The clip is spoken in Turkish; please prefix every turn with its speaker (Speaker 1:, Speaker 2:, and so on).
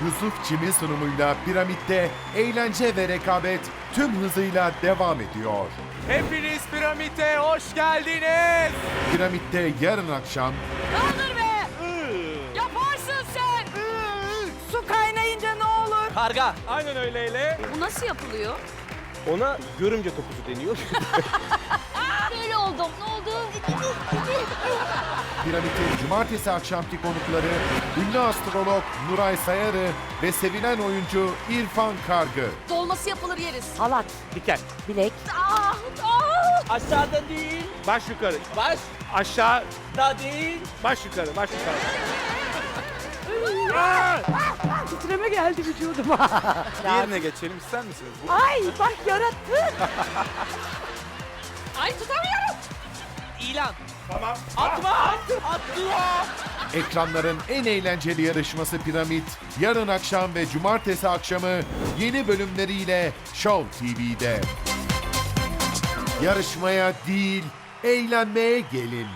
Speaker 1: Yusuf Çim'in sunumuyla Piramit'te eğlence ve rekabet tüm hızıyla devam ediyor.
Speaker 2: Hepiniz Piramit'e hoş geldiniz.
Speaker 1: Piramit'te yarın akşam
Speaker 3: Kaldır be! Yaparsın sen! Su kaynayınca ne olur?
Speaker 2: Karga. Aynen öyleyle.
Speaker 3: Bu nasıl yapılıyor?
Speaker 2: Ona görümce topuzu deniyor.
Speaker 3: Böyle oldum. Ne oldu?
Speaker 1: Piramit'in cumartesi akşamki konukları ünlü astrolog Nuray Sayarı ve sevilen oyuncu İrfan Kargı.
Speaker 3: Dolması yapılır yeriz.
Speaker 4: Halat,
Speaker 2: Diken.
Speaker 4: bilek,
Speaker 3: Ah!
Speaker 5: Aşağıda değil,
Speaker 2: Baş yukarı.
Speaker 5: baş
Speaker 2: Aşağı.
Speaker 5: da değil.
Speaker 2: Baş yukarı. Baş yukarı.
Speaker 4: titreme geldi vücuduma.
Speaker 2: Diğerine geçelim ister misiniz?
Speaker 4: Ay bak yarattı.
Speaker 3: Ay tutamıyorum.
Speaker 5: İlan.
Speaker 2: Tamam.
Speaker 5: Atma! Atma!
Speaker 1: Ekranların en eğlenceli yarışması Piramit, yarın akşam ve cumartesi akşamı yeni bölümleriyle Show TV'de. Yarışmaya değil, eğlenmeye gelin.